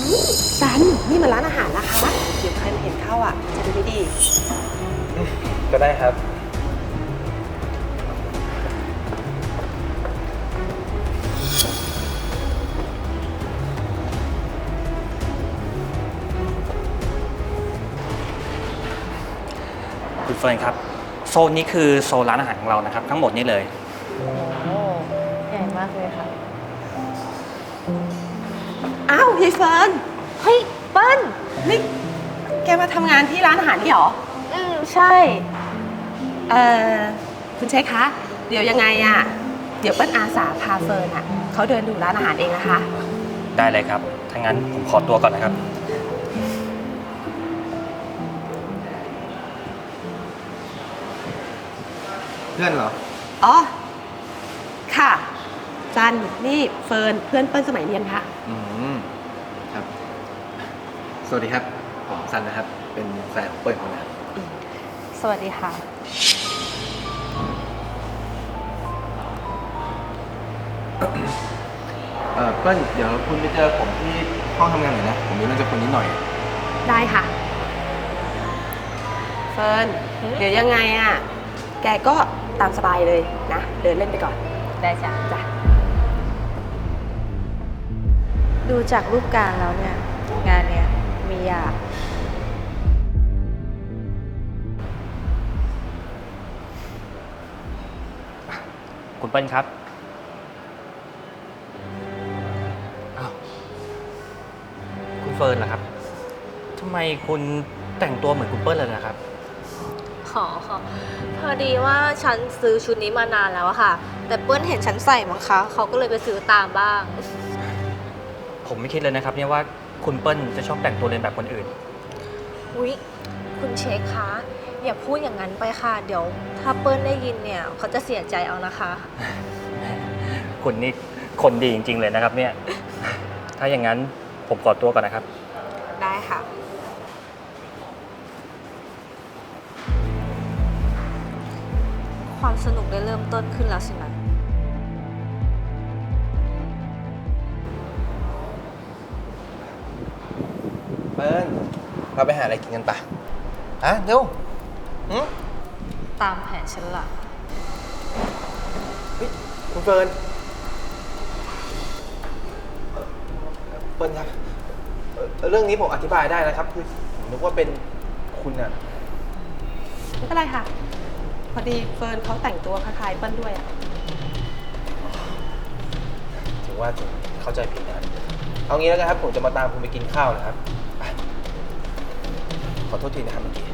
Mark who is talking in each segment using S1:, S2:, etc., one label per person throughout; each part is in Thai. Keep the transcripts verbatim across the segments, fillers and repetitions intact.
S1: ซันนี่มันร้านอาหารนะคะเดี๋ยวใครมาเห็นเข้าอ่ะจะดูไม่ดี
S2: ก็ได้ครับ
S3: คุณเฟิร์นครับโซนนี้คือโซนร้านอาหารของเรานะครับทั้งหมดนี้เลย
S4: โอ้ใหญ่มากเลยค่ะ
S1: อ้าวยายเฟิร์น
S4: เฮ้ยเปิ้ล
S1: นี่แกมาทำงานที่ร้านอาหารนี่หรอ
S4: อืมใช่
S1: เอ่อคุณเช็คคะเดี๋ยวยังไงอ่ะเดี๋ยวเปิ้ลอาสาพาเฟิร์นอ่ะเขาเดินดูร้านอาหารเองนะคะ
S3: ได้เลยครับถ้างั้นผมขอตัวก่อนนะครับ
S2: เพื่อนเหรอ
S1: อ๋อค่ะซันนี่เฟิร์นเพื่อนเปิ้ลสมัยเรียนค่ะ
S2: อืมครับสวัสดีครับผมซันนะครับเป็นแฟนของเปิ้ลคนนั้น
S4: สวัสดีค่ะ
S2: เออเปิ้ลเดี๋ยวคุณไปเจอผมที่ห้องทำงานหน่อยนะผมมีเรื่องจะคุยนิดหน่อย
S1: ได้ค่ะเฟิร์นเดี๋ยวยังไงอ่ะแกก็ตามสบายเลยนะเดินเล่นไปก่อน
S4: ได้จ้ะ
S1: จ้ะ
S4: ดูจากรูปการแล้วเนี่ยงานเนี้ยมียาก
S3: คุณเปิ้ลครับอ้าวคุณเฟิร์นเหรอครับทำไมคุณแต่งตัวเหมือนคุณเปิ้ลเลยนะครับ
S4: ขอขอพอดีว่าฉันซื้อชุดนี้มานานแล้วอะค่ะแต่เปิ้ลเห็นฉันใส่มั้งคะเขาก็เลยไปซื้อตามบ้าง
S3: ผมไม่คิดเลยนะครับเนี่ยว่าคุณเปิ้ลจะชอบแต่งตัวเลียนแบบคนอื่น
S4: อุ๊ยคุณเช็คคะอย่าพูดอย่างนั้นไปค่ะเดี๋ยวถ้าเปิ้ลได้ยินเนี่ยเขาจะเสียใจเอานะคะ
S3: คุณนี่คนดีจริงๆเลยนะครับเนี่ยถ้าอย่างนั้นผมขอตัวก่อนนะครับ
S4: ได้ค่ะความสนุกได้เริ่มต้นขึ้นแล้วสินะ
S2: เปิ้ลเราไปหาอะไรกินกันปะอ่ะเร็ว
S4: ตามแผนฉันละ
S2: เฮ้ยคุณเฟิร์นเปิ้ลครับเรื่องนี้ผมอธิบายได้นะครับคือผมนึกว่าเป็นคุณอะ
S1: ไม่เป็นไรค่ะพอดีเฟิร์นเขาแต่งตัวคล้ายๆเปิ้ลด้วยอ่ะ
S2: ถึงว่าถึงเข้าใจผิดนะเอางี้แล้วกันครับผมจะมาตามคุณไปกินข้าวนะครับขอโทษทีนะครับเมื่อกี้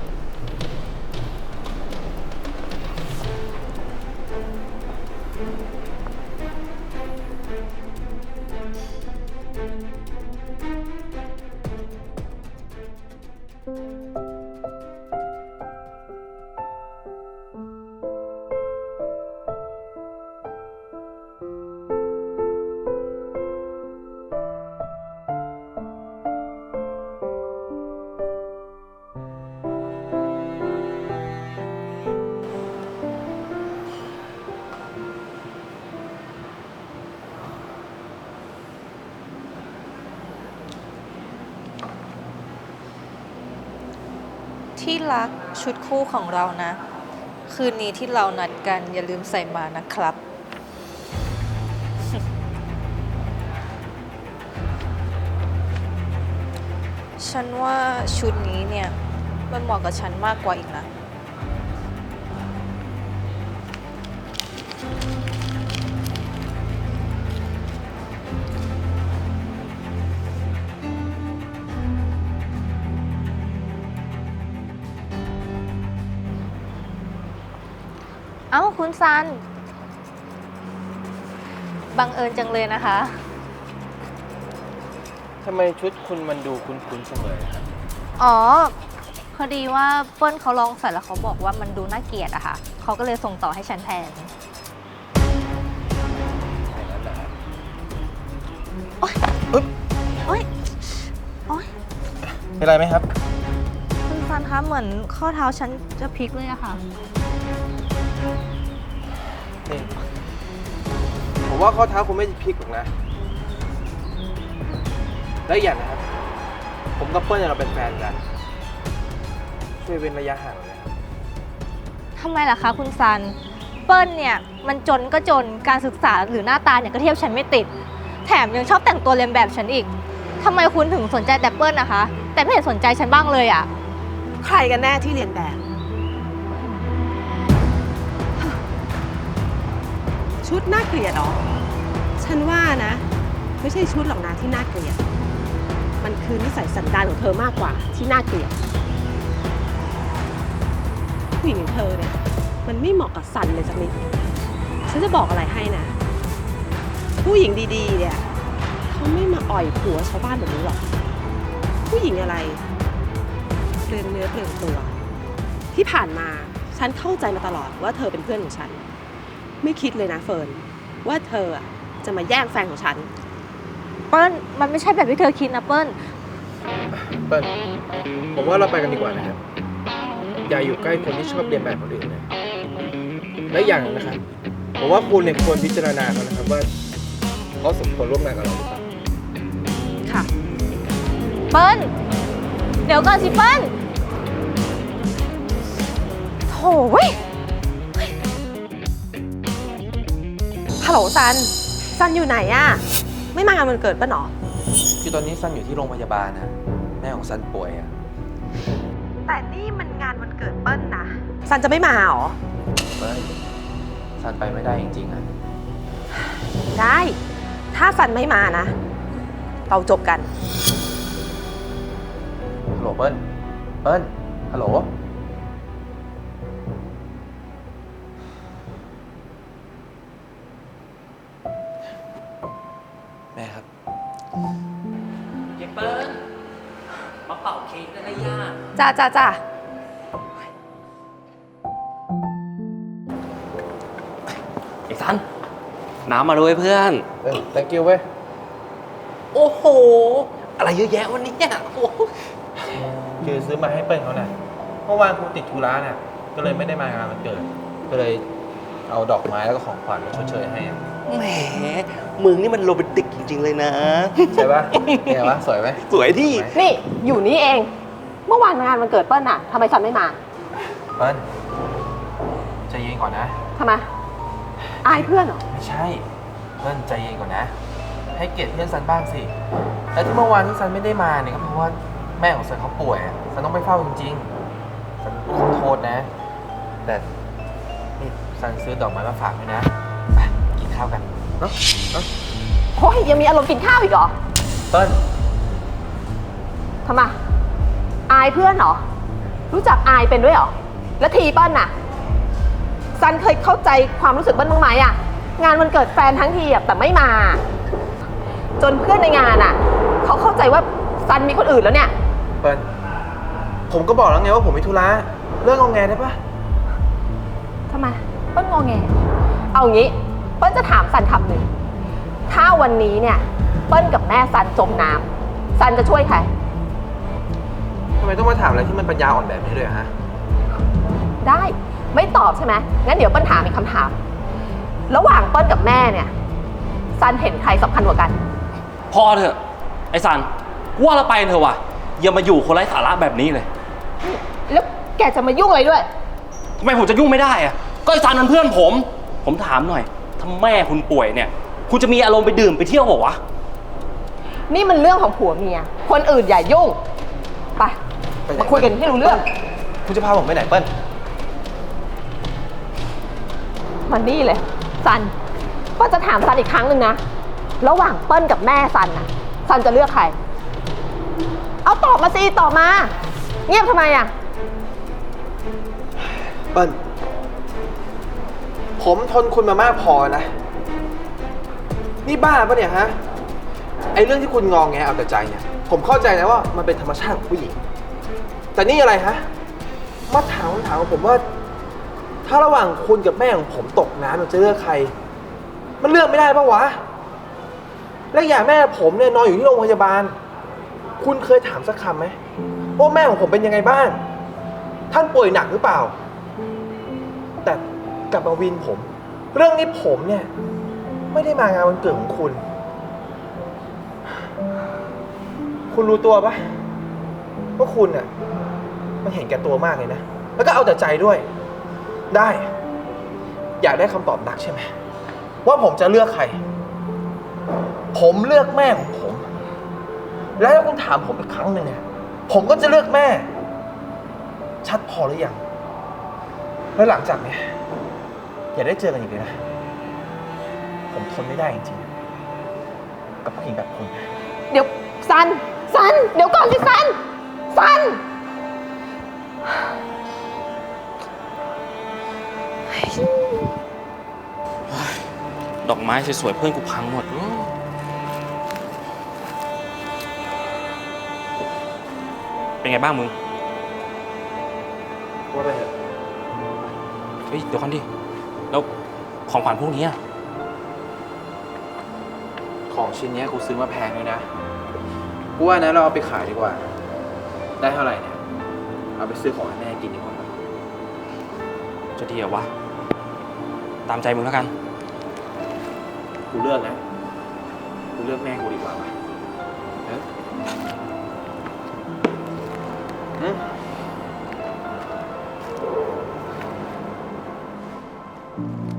S4: ที่รักชุดคู่ของเรานะคืนนี้ที่เรานัดกันอย่าลืมใส่มานะครับ ฉันว่าชุดนี้เนี่ยมันเหมาะกับฉันมากกว่าอีกนะเอ้าคุณซันบังเอิญจังเลยนะคะ
S2: ทำไมชุดคุณมันดูคุ้นๆเสมอครับ
S4: อ๋อพอดีว่าเปิ้ลเขาลองใส่แล้วเขาบอกว่ามันดูน่าเกลียดอะค่ะเขาก็เลยส่งต่อให้ฉันแทน
S2: อย่างนั้นเหรอครับ
S4: โอ๊ยโอ๊ยโอ๊ย
S2: เป็นไรไหมครับ
S4: คุณซันคะเหมือนข้อเท้าฉันจะพลิกเลยอะค่ะ
S2: นี่ผมว่าข้อเท้าคุณไม่พลิกหรอกนะแล้วอย่างนะครับผมกับเปิ้ลเนี่ยเราเป็นแฟนกัน ช่วยเว้นระยะห่างหน่อยนะครับ
S4: ทำไมล่ะคะคุณซัน เปิ้ลเนี่ยมันจนก็จนการศึกษาหรือหน้าตาเนี่ยก็เทียบฉันไม่ติด แถมยังชอบแต่งตัวเลียนแบบฉันอีกทำไมคุณถึงสนใจแต่เปิ้ลนะคะ แต่ไม่เห็นสนใจฉันบ้างเลยอะ
S1: ใครกันแน่ที่เรียนแบบ ชุดน่าเกลียดเหรอ ฉันว่านะ ไม่ใช่ชุดหรอกนะที่น่าเกลียด มันคือนิสัยสันดานของเธอมากกว่าที่น่าเกลียดผู้หญิงอย่างเธอเนี่ยมันไม่เหมาะกับสันเลยสักนิด ฉันจะบอกอะไรให้นะ ผู้หญิงดีๆเนี่ยเขาไม่มาอ่อยผัวชาวบ้านแบบนี้หรอก ผู้หญิงอะไรเปลืองเนื้อเปลืองตัว ที่ผ่านมาฉันเข้าใจมาตลอดว่าเธอเป็นเพื่อนของฉัน ไม่คิดเลยนะเฟิร์นว่าเธออะจะมาแย่งแฟนของฉัน
S4: เปิ้ลมันไม่ใช่แบบที่เธอคิดนะเปิ้ล
S2: เปิ้ลผมว่าเราไปกันดีกว่านะครับ อย่าอยู่ใกล้คนที่ชอบเรียนแบบคนอื่นเลยและอย่างหนึงนะครับ ผมว่าคุณเนี่ยควรพิจารณาเขานะครับว่าเขาสมควรร่วมงานกับเราหรือเปล่า
S1: ค่ะ
S4: เปิ้ลเดี๋ยวก่อนสิเปิ้ลโถ่เว้ย
S1: ฮัลโหลซัน ซันอยู่ไหนอะไม่มางานวันเกิดป่ะหนอ
S2: คือตอนนี้ซันอยู่ที่โรงพยาบาลนะแม่ของซันป่วยอะ
S1: แต่นี่มันงานวันเกิดเปิ้ลนะ ซันจะไม่มาหรอ
S2: เปิ้ลซันไปไม่ได้จริงๆอะ
S1: ได้ ถ้าซันไม่มานะ เราจบกัน
S2: ฮัลโหลเปิ้ลเปิ้ลฮัลโหลแม่ครับ
S3: เยเปิ้ลมาเป่าเค้กได้ไหมย่า
S1: จ้าจ้าจ้า
S3: ไอ้ซัน น้ำมาด้วยเพื่อน
S2: เออ thank you เว้ย
S3: โอ้โห อะไรเยอะแยะวันนี้โอ้โห
S2: คือซื้อมาให้เปิ้ลเขาน่ะเมื่อวานกูติดธุระน่ะ ก็เลยไม่ได้มางานวันเกิด ก็เลยเอาดอกไม้แล้วก็ของขวัญมาชดเชยให้อะ
S5: แหมมึงนี่มันโรแมนติกจริง ๆ เลยนะ
S2: ใช่ปะไงวะ สวยไหม
S5: สวยที่
S1: นี่อยู่นี่เอง เมื่อวานงานวันเกิดเปิ้ลน่ะทำไมซันไม่มา
S2: เปิ้ลใจเย็นก่อนนะ
S1: ทำไม อายเพื่อนเหรอ
S2: ไม่ใช่ เปิ้ลใจเย็นก่อนนะ ให้เกียรติเพื่อนซันบ้างสิ และที่เมื่อวานที่ซันไม่ได้มาเนี่ยก็เพราะว่าแม่ของซันเขาป่วยอะซันต้องไปเฝ้าจริงๆซันขอโทษนะ แต่นี่ซันซื้อดอกไม้มาฝากด้วยนะไปกินข้าวกันเนาะเนาะ
S1: โอ้ยยังมีอารมณ์กินข้าวอีกเหรอ
S2: เปิ้ล
S1: ทำไม อายเพื่อนเหรอ รู้จักอายเป็นด้วยเหรอ แล้วทีเปิ้ลน่ะ ซันเคยเข้าใจความรู้สึกเปิ้ลบ้างไหมอะงานวันเกิดแฟนทั้งทีอะแต่ไม่มา จนเพื่อนในงานอะเขาเข้าใจว่าซันมีคนอื่นแล้วเนี่ย
S2: เปิ้ลผมก็บอกแล้วไงว่าผมมีธุระเลิกงอแงได้ปะ
S1: ทำไมเปิ้ลงอแง เอางี้ เปิ้ลจะถามซันคำหนึ่ง ถ้าวันนี้เนี่ย เปิ้ลกับแม่ซันจมน้ำซันจะช่วยใคร
S2: ทำไมต้องมาถามอะไรที่มันปัญญาอ่อนแบบนี้ด้วยอะฮะ
S1: ได้ ไม่ตอบใช่ไหมงั้นเดี๋ยวเปิ้ลถามอีกคำถาม ระหว่างเปิ้ลกับแม่เนี่ยซันเห็นใครสำคัญกว่ากัน
S5: พอเถอะ ไอ้ซันว่าเราไปเถอะว่ะ อย่ามาอยู่คนไร้สาระแบบนี้เลย
S1: แล้วแกจะมายุ่งอะไรด้วย
S5: ทำไมผมจะยุ่งไม่ได้อะก็ไอ้ซันมันเพื่อนผม ผมถามหน่อยถ้าแม่คุณป่วยเนี่ย คุณจะมีอารมณ์ไปดื่มไปเที่ยวเปล่าวะ
S1: นี่มันเรื่องของผัวเมีย คนอื่นอย่ายุ่ง ไป
S2: ไปไหน
S1: มาคุยกันให้รู้เรื่อง
S2: คุณจะพาผมไปไหนเปิ้ล
S1: มันนี่เลย ซันเปิ้ลจะถามซันอีกครั้งหนึ่งนะ ระหว่างเปิ้ลกับแม่ซันน่ะ ซันจะเลือกใคร เอาตอบมาสิตอบมา เงียบทำไมอ่ะ
S2: เปิ้ลผมทนคุณมามากพอนะ นี่บ้าปะเนี่ยฮะ ไอเรื่องที่คุณงองแงเอาแต่ใจเนี่ย ผมเข้าใจนะว่ามันเป็นธรรมชาติของผู้หญิง แต่นี่อะไรฮะ มาถามคำถามของผมว่า ถ้าระหว่างคุณกับแม่ของผมตกน้ำมันจะเลือกใคร มันเลือกไม่ได้ปะวะ และอย่างแม่ผมเนี่ยนอนอยู่ที่โรงพยาบาล คุณเคยถามสักคำไหมว่าแม่ของผมเป็นยังไงบ้าง ท่านป่วยหนักหรือเปล่า แต่กลับมาวินผม เรื่องนี้ผมเนี่ย ไม่ได้มางานวันเกิดของคุณ คุณรู้ตัวปะว่าคุณน่ะมันเห็นแก่ตัวมากเลยนะ แล้วก็เอาแต่ใจด้วย ได้ อยากได้คำตอบนักใช่ไหมว่าผมจะเลือกใคร ผมเลือกแม่ของผม แล้วถ้าคุณถามผมอีกครั้งหนึ่งเนี่ยผมก็จะเลือกแม่ ชัดพอหรือยัง แล้วหลังจากเนี้ยอย่าได้เจอกันอีกเลยนะ ผมทนไม่ได้จริงๆกับผู้หญิงแบบคุณ
S1: เดี๋ยวซัน ซัน เดี๋ยวก่อนสิซัน ซัน
S3: ดอกไม้สวยๆเพื่อนกูพังหมด เป็นไงบ้างมึง
S2: ว่าไปเถอะ
S3: เฮ้ย เดี๋ยวก่อนดิ แล้วของขวัญพวกนี้อะ
S2: ของชิ้นเนี้ยกูซื้อมาแพงเลยนะ กูว่านะเราเอาไปขายดีกว่า ได้เท่าไหร่เนี่ย เอาไปซื้อของให้แม่กินดีกว่า
S3: จะดีเหรอวะ ตามใจมึงแล้วกัน
S2: กูเลือกนะ กูเลือกแม่กูดีกว่าว่ะเอออืม